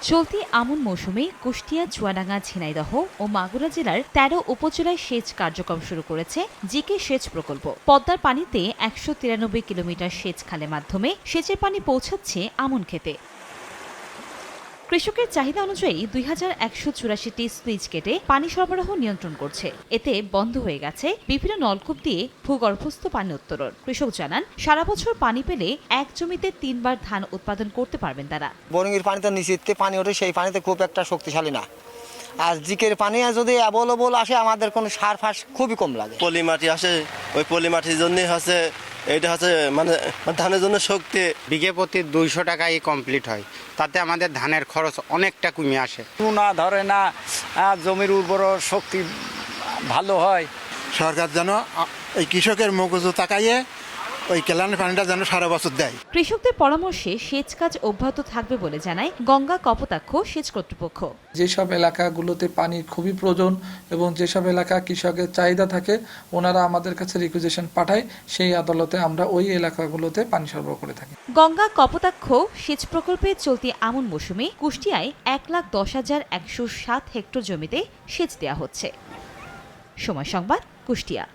চলতি আমন মৌসুমে কুষ্টিয়া, চুয়াডাঙ্গা, ঝিনাইদহ ও মাগুরা জেলার ১৩ উপজেলায় সেচ কার্যক্রম শুরু করেছে জিকে সেচ প্রকল্প। পদ্মার পানিতে ১৯৩ কিলোমিটার সেচ খালের মাধ্যমে সেচের পানি পৌঁছাচ্ছে আমন খেতে। কৃষকের চাহিদা অনুযায়ী ২১৮৪টি সুইচ কেটে পানি সরবরাহ নিয়ন্ত্রণ করছে। এতে বন্ধ হয়ে গেছে বিভিন্ন নলকূপ দিয়ে ভূগর্ভস্থ পানি উত্তোলন। কৃষক জানান, সারা বছর পানি পেলে এক জমিতে ৩ বার ধান উৎপাদন করতে পারবেন তারা। বোরিংয়ের পানিতে নিচেতে পানি ওঠে, সেই পানিতে খুব একটা শক্তিশালী না। আর জিকের পানি যদি অ্যাভেলেবল আসে, আমাদের কোনো সার ফাঁস খুবই কম লাগে। পলি মাটি আসে, ওই পলি মাটির জন্যই হচ্ছে এটা হচ্ছে মানে ধানের জন্য শক্তি। বিঘে প্রতি 200 টাকায় কমপ্লিট হয়, তাতে আমাদের ধানের খরচ অনেকটা কমে আসে। না ধরে না, জমির উর্বর শক্তি ভালো হয়। সরকার যেন এই কৃষকের মগজু তাকাইয়ে ওই কেলানের পানিটা যেন সারা বছর দেয়। কৃষকদের পরামর্শে সেচ কাজ অব্যাহত থাকবে বলে জানায় গঙ্গা কপোতাক্ষ সেচ কর্তৃপক্ষ। যেসব এলাকাগুলোতে পানির খুবই প্রয়োজন এবং যেসব এলাকা কৃষকের চাহিদা থাকে, ওনারা আমাদের কাছে রিকুইজিশন পাঠায়, সেই আদালতে আমরা ওই এলাকাগুলোতে পানি সরবরাহ করে থাকি। গঙ্গা কপোতাক্ষ সেচ প্রকল্পে চলতি আমন মৌসুমে কুষ্টিয়ায় ১,১০,১০৭ হেক্টর জমিতে সেচ দেওয়া হচ্ছে। সময় সংবাদ, কুষ্টিয়া।